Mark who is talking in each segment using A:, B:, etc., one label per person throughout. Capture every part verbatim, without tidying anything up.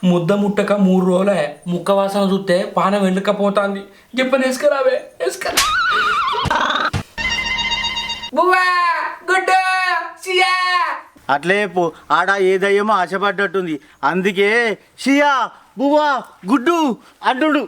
A: ముద్ద ముట్టక మూడు రోజులే ముక్క వాసన చూస్తే పానం వెళ్ళకపోతుంది చెప్పని వేసుకురావే వేసుకురా బువ్వా గుడ్డు సియా
B: అట్లే పో ఆడ ఏదయ్యేమో ఆశపడ్డట్టుంది అందుకే షియా బువ్వా గుడ్డు అంటుడు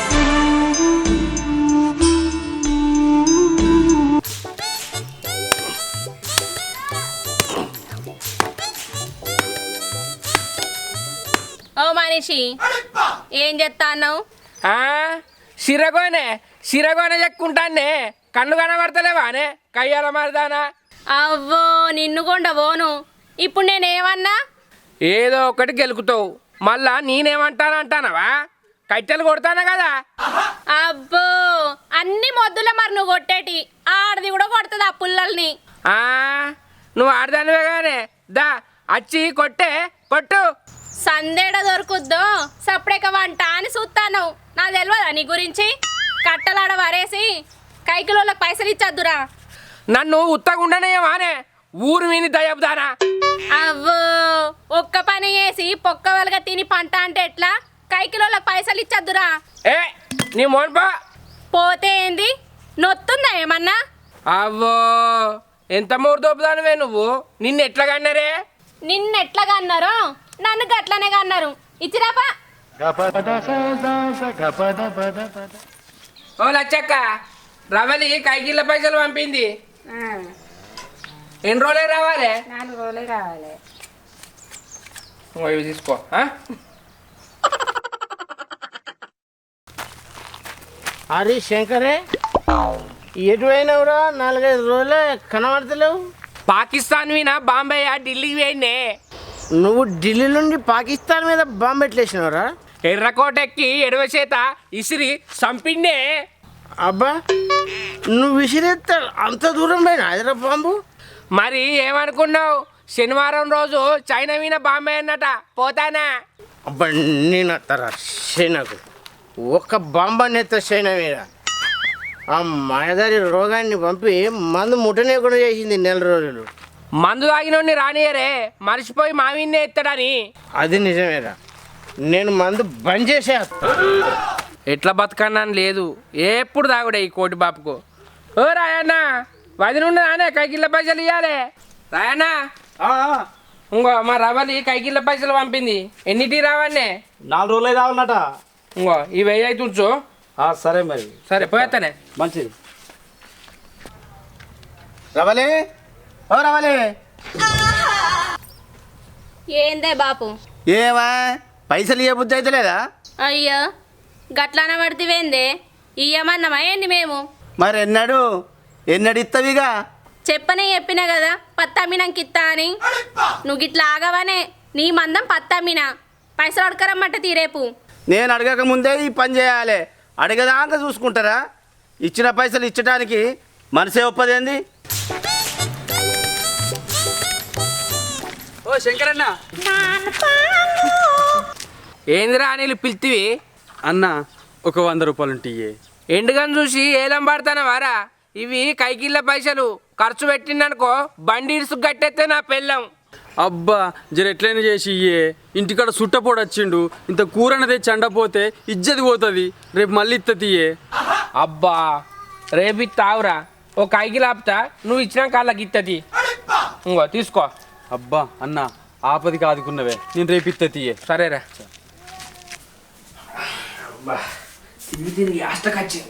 C: ఓ మనిషి ఏం చెప్తా అన్నావు?
A: సిరగోనే సిరగోనే చెక్కుంటానే కన్ను కనబడతలేవానే కయ్యాల మరదానా
C: అవ్వో నిన్ను కొండ పోను. ఇప్పుడు నేనేమన్నా?
A: ఏదో ఒకటి గెలుకుతావు మళ్ళా నేనేమంటానంటానవా కట్టెలు కొడతానా కదా.
C: అబ్బో అన్ని మొద్దుల మరి నువ్వు కొట్టేటి ఆడది కూడా కొడుతుంది ఆ పుల్లల్ని.
A: నువ్వు ఆడదానివే గానే దా అచ్చి కొట్టే కొట్టు.
C: సందేడ దొరుకుద్దో సప్పుడేక వంట అని చూస్తాను. నా తెలియదా నీ గురించి? కట్టలాడ వరేసి కైకిలోళ్ళకి పైసలు ఇచ్చద్దురా.
A: నన్ను ఉత్తగుండనేమానే ఊరు విని దయపుదానా.
C: అవ్వో ఒక్క పని చేసి పొక్క వలగా తిని పంట అంటే ఎట్లా? కైకిలోళ్ళకి పైసలు ఇచ్చద్దురా.
A: ఏ నీ మోన్పా
C: పోతే ఏంది నొత్తుందా ఏమన్నా?
A: అవ్వో ఎంత మూడు దోపుదానివే నువ్వు. నిన్ను ఎట్లా కన్నారే?
C: నిన్నెట్లాగా అన్నారో నన్ను గట్లనే అన్నారు. ఇచ్చిరాపా.
A: ఓ లచ్చక్క రవలి కైకిళ్ళ పైసలు పంపింది. ఎన్ని రోజులే రావాలి?
D: నాలుగు రోజులే రావాలి.
A: ఇవి తీసుకో.
E: అరే శంకరే ఎటువైనవురా? నాలుగైదు రోజులే కనబడతలేవు.
A: పాకిస్తాన్ వినా బాంబే ఢిల్లీకి పోయిందే.
E: నువ్వు ఢిల్లీ నుండి పాకిస్తాన్ మీద బాంబు ఎట్లేసినవరా?
A: ఎర్రకోట ఎక్కి ఎడవ చేత ఇసిరి చంపిండే.
E: అబ్బా నువ్వు విసిరేస్తే అంత దూరం పోయినా హైదరాబాద్ బాంబు?
A: మరి ఏమనుకున్నావు? శనివారం రోజు చైనా మీద బాంబే అన్నట పోతానా?
E: అబ్బా నేను అత్తారా చైనాకు ఒక్క బాంబాన్ని ఎత్తా చైనా మీద. ఆ మాయదారి రోగాన్ని పంపి మందు ముట్టనే కూడా చేసింది నెల రోజులు.
A: మందు తాగినోడిని రానియరే మర్చిపోయి మావిన్నే ఎత్తాడని.
E: అది నిజమేరా, నేను మందు బంద్ చేసేస్తా.
A: ఎట్లా బతకన్నాను లేదు ఎప్పుడు తాగుడే ఈ కోటి బాపుకు. ఓ రాయన్న వదిన ఉన్నదానే కైకిళ్ళ పైసలు ఇవ్వాలి. రాయన్న ఇంకో మా రవలి కైకిళ్ళ పైసలు పంపింది. ఎన్నిటి రావన్నే?
B: నాలుగు రోజులే రావాలన్నట.
A: ఇంకో ఈ వెయ్యి అయితే ఉంచు.
B: సరే మరి
A: సరే పోయేస్తానే.
B: మంచిది. రవలే ఓ రవలే
C: ఏందే బాపు?
B: ఏమా పైసలు ఇవ్వ బుద్ధి అయితే లేదా?
C: అయ్యో గట్లాన పడితేవేందే? ఇయ్యమన్నమా ఏంది మేము?
B: మరి ఎన్నాడు ఎన్నడు ఇత్తవిగా?
C: చెప్పనే చెప్పినా కదా పత్తమ్మినాకి ఇత్తా అని. నువ్వు గిట్లా ఆగవనే నీ మందం పత్తమ్మినా పైసలు అడకరమ్మంటే తీరేపు.
B: నేను అడగక ముందే ఈ పని చేయాలి. అడగదాకా చూసుకుంటారా? ఇచ్చిన పైసలు ఇచ్చడానికి మనసే ఒప్పదేంది?
F: ఓ శంకరన్న.
A: ఏందిరా అనిలు పిలితివి?
F: అన్న ఒక వంద రూపాయలు ఉంటాయి.
A: ఎండుగని చూసి ఏలం పడతానా వారా? ఇవి కైకిళ్ళ పైసలు ఖర్చు పెట్టిందనుకో బండి ఇడుసు గట్టెత్తే నా పెళ్ళం.
F: అబ్బా జర ఎట్లయినా చేసి ఇయ్యే. ఇంటికాడ సుట్టపోడు వచ్చిండు, ఇంత కూరన తెచ్చి అండపోతే ఇజ్జది పోతుంది. రేపు మళ్ళీ ఇత్త తీయే.
A: అబ్బా రేపు తావురా ఓ కైకిలు ఆపుతా, నువ్వు ఇచ్చిన కాళ్ళకి ఇత్తది. ఇంకో తీసుకో.
F: అబ్బా అన్న ఆపదికి ఆదుకున్నవే, నేను రేపు ఇత్త తీయే.
A: సరేరా. తిరిగి తిరిగి హాస్టల్కి వచ్చింది.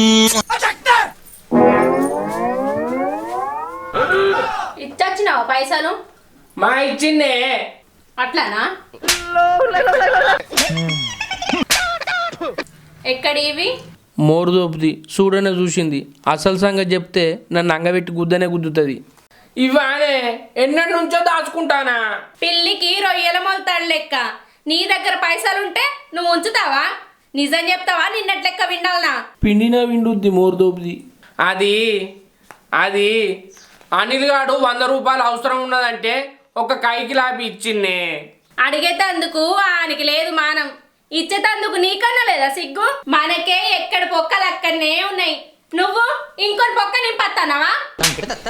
C: ఇచ్చొచ్చినావా పైసలు?
A: మా ఇచ్చిందే.
C: అట్లానా? ఎక్కడి ఇవి?
A: మోరు దోపుది చూడనే చూసింది. అసలు సంగతి చెప్తే నన్ను అంగబెట్టి గుద్దనే గుద్దుతుంది. ఇవానే ఎన్నటి నుంచో దాచుకుంటానా.
C: పిల్లికి రొయ్యల మొలతాడు లెక్క. నీ దగ్గర పైసలుంటే నువ్వు ఉంచుతావా? నిజం చెప్తావా? నిన్నటి లెక్క విండాలనా?
A: పిండినా విండుద్ది మోరు దోపుది. అది అది అనిల్ గాడు వంద రూపాయలు అవసరం ఉన్నదంటే ఒక కైకి లాపి ఇచ్చిందే.
C: అడిగేటందుకు ఆయనకి లేదు మానం, ఇచ్చేటందుకు నీకన్నా లేదా సిగ్గు? మనకే ఎక్కడ పొక్కలు అక్కడనే ఉన్నాయి. నువ్వు ఇంకొని పొక్క నింపత్తానవా?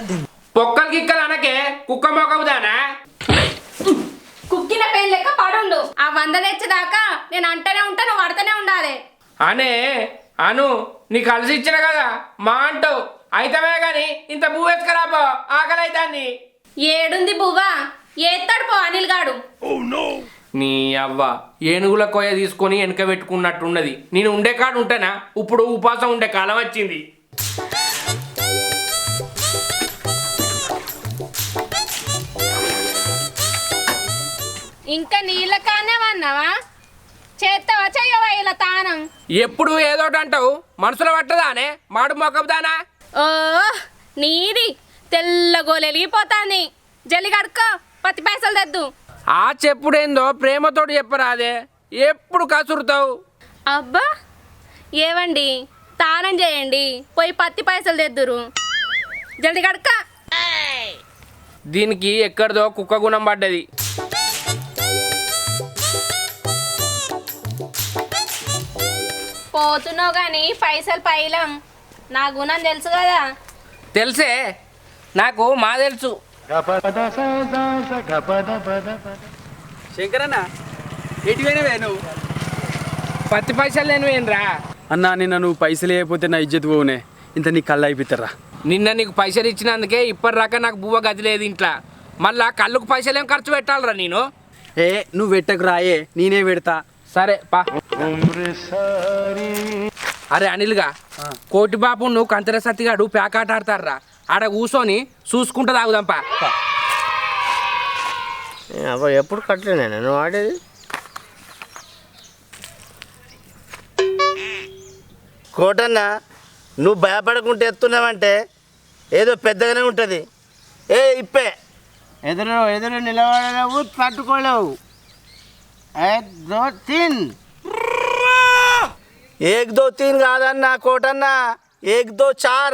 A: పొక్కలు గిక్కలు అనకే కుక్క మొక్కవుదానా?
C: కుక్కిన పెళ్ళి లెక్క పడుండు. ఆ వంద తెచ్చేదాకా నేను అంటనే ఉంటా, నువ్వు పడతానే ఉండాలి.
A: అనే అను నీ కలిసి ఇచ్చిన కదా మా అంటావు అయితమే గాని ఇంత పువ్వు ఎత్తుకరాపో ఆకలి అవుతాన్ని.
C: ఏడుంది బువ్వా, ఏత్తాడు పో అనిల్ గాడు.
A: నీ అవ్వ ఏనుగుల కొయ్య తీసుకొని వెనక పెట్టుకున్నట్టున్నది. నేను ఉండే కాడు ఉంటానా? ఇప్పుడు ఉపాసం ఉండే కాలం వచ్చింది.
C: ఇంకా నీళ్ళ కానే అన్నావా? చేస్తావా చెయ్యవా ఇలా తానం?
A: ఎప్పుడు ఏదోటి అంటావు, మనసులో పట్టదానే మాడు మొక్కదానా?
C: ఓ నీది తెల్లగోలు వెలిగిపోతాంది. జల్లి కడుక్కో, పత్తి పైసలు తెద్దు.
A: ఆ చెప్పుడేందో ప్రేమతోటి చెప్పరాదే, ఎప్పుడు కసురుతావు.
C: అబ్బా ఏవండి, తానం చేయండి, పోయి పత్తి పైసలు తెద్దురు. జల్ది కడుక్క.
A: దీనికి ఎక్కడిదో కుక్క గుణం పడ్డది.
C: పోతున్నావు కానీ పైసలు పైలం, నా గుణం తెలుసు కదా.
A: తెలుసే నాకు, మా తెలుసు.
F: శంకరన్న ఎటు పోయినవే నువ్వు?
A: పత్తి పైసలు లేనివేనరా?
F: అన్నా నిన్న నువ్వు పైసలు లేకపోతే నా ఇజ్జత్ పోవునే, ఇంత నీ కళ్ళు అయిపోతారా.
A: నిన్న నీకు పైసలు ఇచ్చినందుకే ఇప్పటిదాకా నాకు బువ్వ గది లేదు ఇంట్లో. మళ్ళా కళ్ళుకు పైసలు ఏం ఖర్చు పెట్టాలరా నేను?
F: ఏ నువ్వు పెట్టకు రాయే, నేనే పెడతా.
A: సరే పా. అరే అనిల్గా, కోటి బాపు నువ్వు కంతెర సత్తిగాడు ప్యాకాట ఆడతారా, ఆడ కూర్చొని చూసుకుంటా తాగుదాంపా.
E: అబ్బా ఎప్పుడు కట్టలేనా నువ్వు ఆడేది?
B: కోటన్న నువ్వు భయపడకుంటే ఎత్తున్నావంటే ఏదో పెద్దగానే ఉంటుంది. ఏ ఇప్పే
E: ఎదురు ఎదురు నిలబడలేవు, తట్టుకోలేవు. ఏక్ దో తీన్.
B: ఏక్ దో తీన్ కాదన్న కోటన్న, ఏక్ దో చార్.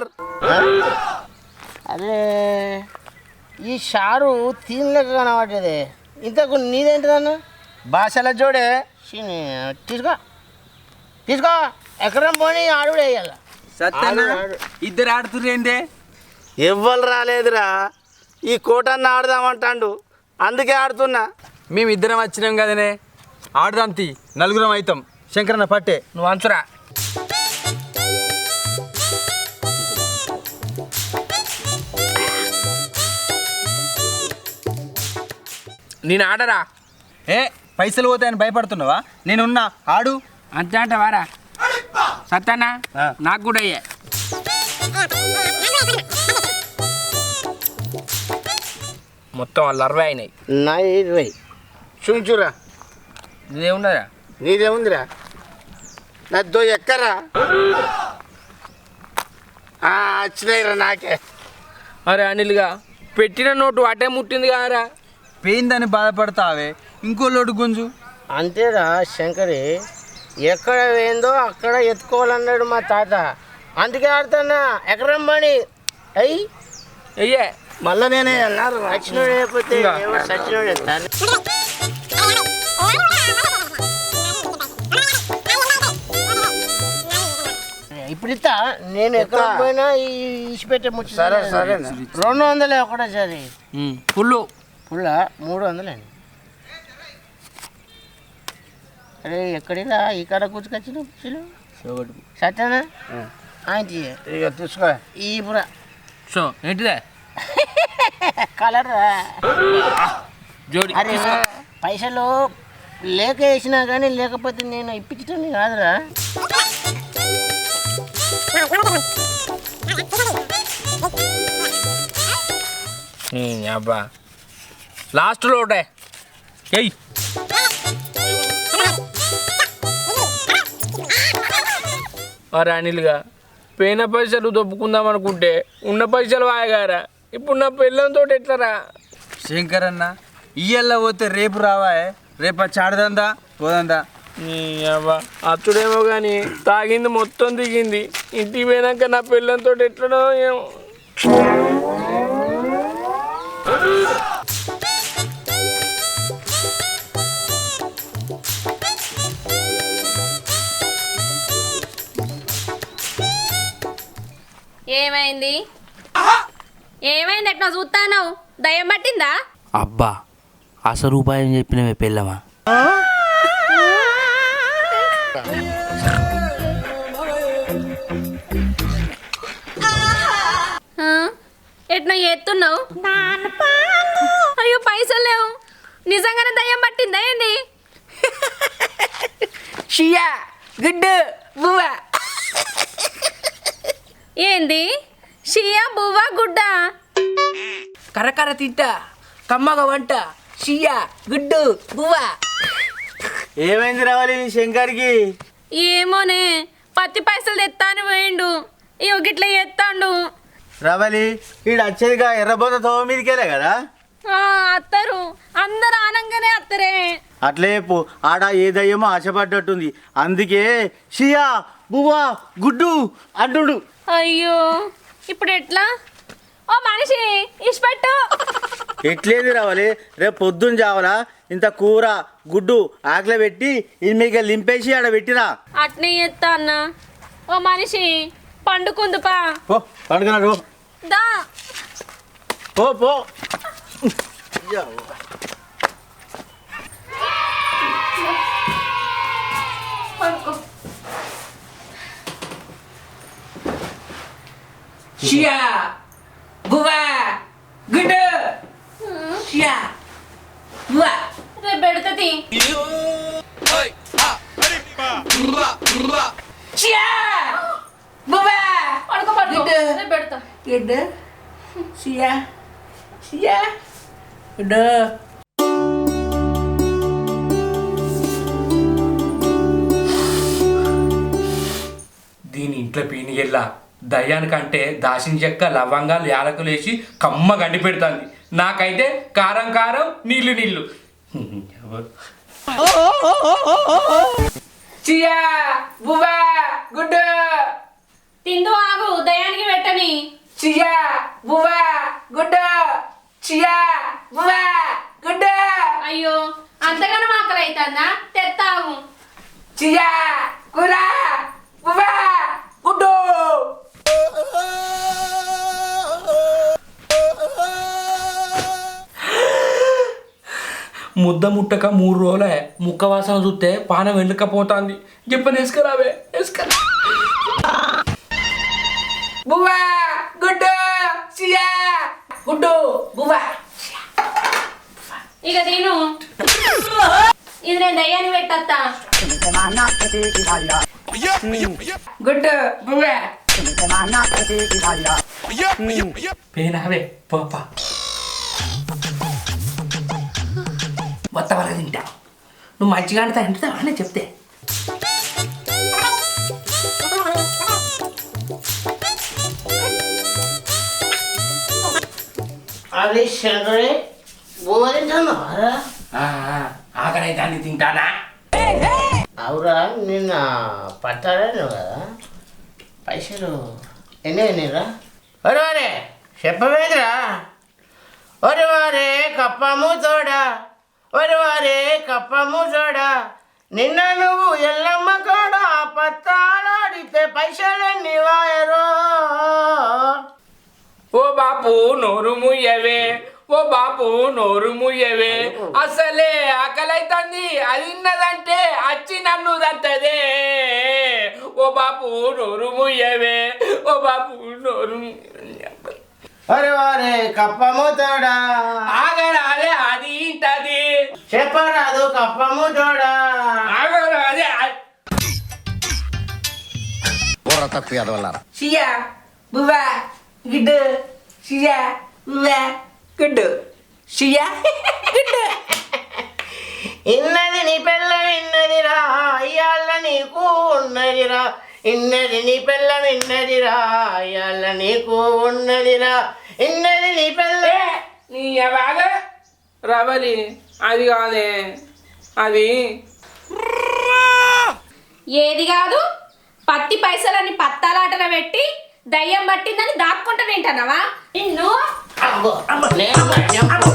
E: అరే ఈ షారు తీన్ లెక్క కనబడ్డది. ఇంతకు నీదేంటిదన్న?
B: భాషల జోడే.
E: చిన్ని, తీసుకో తీసుకో, ఎకరం పోనీ ఆడు వేయాల.
F: సత్యన్న ఇద్దరు ఆడుతుర్రేందే?
B: ఎవ్వరు రాలేదురా, ఈ కోటన్న ఆడదామంటాండు, అందుకే ఆడుతున్నా.
F: మేము ఇద్దరం వచ్చినాం కదనే, ఆడదాం తీ, నలుగురం అవుతాం. శంకరన్న పట్టే.
A: నువ్వు అంచురా. నేను ఆడరా.
F: ఏ పైసలు పోతాయని భయపడుతున్నావా? నేనున్నా, ఆడు.
A: అంతే అంటవారా? సత్యన్నా నాకు కూడా అయ్యే. మొత్తం వాళ్ళు అరవై అయినాయి.
E: నా ఇరవై.
B: చూంచురా,
A: ఇదేమున్నదా?
B: నీదేముందిరా? నద్దో ఎక్కరా వచ్చినాయిరా నాకే.
A: అరే అనిల్గా, పెట్టిన నోటు అటే ముట్టింది కదరా.
F: పోయిందని బాధపడతావే, ఇంకో లోటు గుంజు.
E: అంతేరా శంకరి, ఎక్కడ వేయిందో అక్కడ ఎత్తుకోవాలన్నాడు మా తాత, అందుకే ఆడుతున్నా. ఎకరం పని అయ్యి
A: అయ్యే
B: మళ్ళా నేనే అన్నారు.
E: సచ్చినోడు అయిపోతే ఏమో సచ్చినోడు ఎత్తాను. ఇప్పుడు ఇస్తా నేను ఎక్కడ పోయినా ఇచ్చిపెట్టే ముచ్చు.
B: సరే సరే.
E: రెండు వందలే ఒకటేసారి.
A: ఫుల్లు
E: పుల్ల మూడు వందలండి. అరే ఎక్కడిలా ఈ కాడ కూర్చుకొచ్చిన పుచ్చులు సత్యనా ఆయన
B: ఇక తీసుకో.
E: ఈ పుర
A: సో ఏంటిదే
E: కలర్.
A: జోడి.
E: అరే పైసలు లేక వేసినా కానీ లేకపోతే నేను ఇప్పించటం కాదురా.
A: అబ్బా లాస్ట్ లోటే ఎయ్. అరే అనిల్గా, పోయిన పైసలు దొప్పుకుందాం అనుకుంటే ఉన్న పైసలు వాయగారా. ఇప్పుడు నా పిల్లలతో ఎట్లరా?
F: శంకరన్న ఇయ్యల్ల పోతే రేపు రావా? రేపు వచ్చి ఆడదందా పోదందా?
A: అబ్బా అచ్చుడేమో కానీ తాగింది మొత్తం దిగింది. ఇంటికి పోయినాక నా పిల్లలతో ఎట్లనో ఏమో.
C: ఏమైంది ఏమైంది ఎట్లా చూస్తాను? దయ్యం పట్టిందా?
D: అబ్బా అసలు రూపాయలు చెప్పినవే పెళ్ళమా,
C: ఆ, ఎట్లా ఎత్తున్నావు అయ్యో పైసలు లేవు నిజంగానే దయ్యం పట్టిందా ఏంది
A: షియా గుడ్డు బువ్వ
C: ఏంది షియా బువ్వ గుడ్డ
A: కరకర తింటా కమ్మగ వంట షియా గుడ్డు బువ్వ
B: ఏమైంది రావాలి మీ శంకర్కి?
C: ఏమోనే పత్తి పైసలు తెత్తాను పోయిండు ఇవి గిట్ల ఎత్తాండు
B: రవలి ఈడు వచ్చేదిగా ఎర్రబోత తో మీదకెళ్ళే కదా.
C: ఆ, అత్తరు అందరు ఆనంగానే అత్తరే
B: అట్లే చెప్పు, ఆడ ఏ దయ్యమో ఆశపడ్డట్టుంది, అందుకే షియా బువ్వా గుడ్డు అంటుడు.
C: అయ్యో ఇప్పుడు ఎట్లా ఓ మనిషి ఇష్టపెట్టు
B: ఎట్లేదు రావాలి, రేపు పొద్దున్న చావలా ఇంత కూర గుడ్డు ఆకలి పెట్టి ఇది మీకు లింపేసి ఆడ పెట్టిరా.
C: అట్నే ఎత్తా అన్న ఓ మనిషి పండుకుందుపా
B: పో పండుకున్నాడు,
C: దా
B: పో పో.
A: షియా బువ్వ గుడ్డు షియా బువ్వ
C: రేపు పెడుతుంది
A: షియా బువ్వ
C: పడుకో పడుకో
A: గుడ్డు
C: రేపు పెడతా
A: గుడ్డు షియా షియా గుడ్డు. దీని ఇంట్లో పీనిగెళ్ళ దయ్యానికంటే దాసిన చెక్క లవంగాలు యాలకులు వేసి కమ్మ గండి పెడుతుంది, నాకైతే కారం కారం నీళ్ళు నీళ్ళు. చియా బువ్వా గుడ్డు
C: తిందు ఆగు దయానికి పెట్టని
A: చియా బువ్వా గుడ్డు చియా బువ్వా గుడ్డు
C: అయ్యో అంతగానో ఆకలి అవుతుందా తెత్తాగు
A: చియా కూర బువ్వా గుడ్డు. ముద్ద ముట్టక మూడు రోజులే ముక్క వాసన చూస్తే పానం వెళ్ళకపోతుంది. చెప్పని వేసుకురావే వేసుకురా. బువ్వా గుడ్డు చియా గుడ్డు బువ్వా.
C: ఇక తిను ఇది నేను దయ్యానికి పెట్టత్తా
A: గుడ్డు బువ్వా పేనావే పోపా మొత్తం వరకు తింటా. నువ్వు మంచిగా అంటే తింటావా అని చెప్తే
E: అది శంకరే బోరింటాను
A: ఆకలి దాన్ని తింటానా.
E: అవురా నిన్న పట్టాడాను కదా పైసలు ఎన్ని అయినాయిరా? ఒరే వారే చెప్పవేదిరా, ఒరే వారే కప్పము తోడా, ఒరే వారే కప్పము తోడా, నిన్న నువ్వు ఎల్లమ్మ కాడ పత్తాలాడితే పైసలన్నీ వాయరో.
A: ఓ బాపు నోరు ముయ్యవే, ఓ బాపు నోరు ముయ్యవే, అసలే ఆకలైతుంది అది ఇన్నదంటే అచ్చి నన్ను దత్తదే. ఓ బాపు నోరు ముయ్యవే, ఓ బాపు నోరు
E: ఒరే వారే కప్పము తోడా,
A: ఆగరాదే అది ఇంటది
E: చెప్పరాదు కప్పము తోడా.
A: ఆగరాదే షియా బువ్వా గుడ్డు షియా బువ్వా గుడ్డు షియా గుడ్డు.
E: ఇన్నది నీ పిల్లం ఇన్నదిరా, ఇయాళ్ళ నీకు ఉన్నదిరా, ఇన్నది నీ పిల్లం ఇన్నదిరా, ఇయాళ్ళ నీకు ఉన్నదిరా, ఇన్నది నీ పిల్ల.
A: నీ బాగా రవలి అది కాదే అది
C: ఏది కాదు పత్తి పైసలని పత్తాలాటన పెట్టి దయ్యం పట్టిందని దాక్కుంటా తింటానవా నిన్ను
E: అబ్బో, అబ్బో, నేను అబ్బో.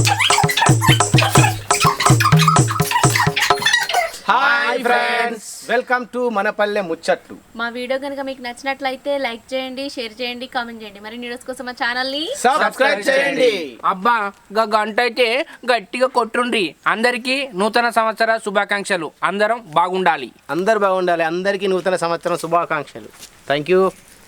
B: హాయ్ ఫ్రెండ్స్,
E: వెల్కమ్ టు మనపల్లె ముచ్చట్లు.
C: మా వీడియో కనుక మీకు నచ్చినట్లయితే లైక్ చేయండి, షేర్ చేయండి, కామెంట్ చేయండి. మరి న్యూస్ కోసం మా ఛానల్ని
E: సబ్స్క్రైబ్ చేయండి.
A: అబ్బా గా గంట అయితే గట్టిగా కొట్టుండ్రి. అందరికీ నూతన సంవత్సర శుభాకాంక్షలు. అందరం బాగుండాలి.
E: అందరు బాగుండాలి. అందరికీ నూతన సంవత్సరం శుభాకాంక్షలు. Thank you.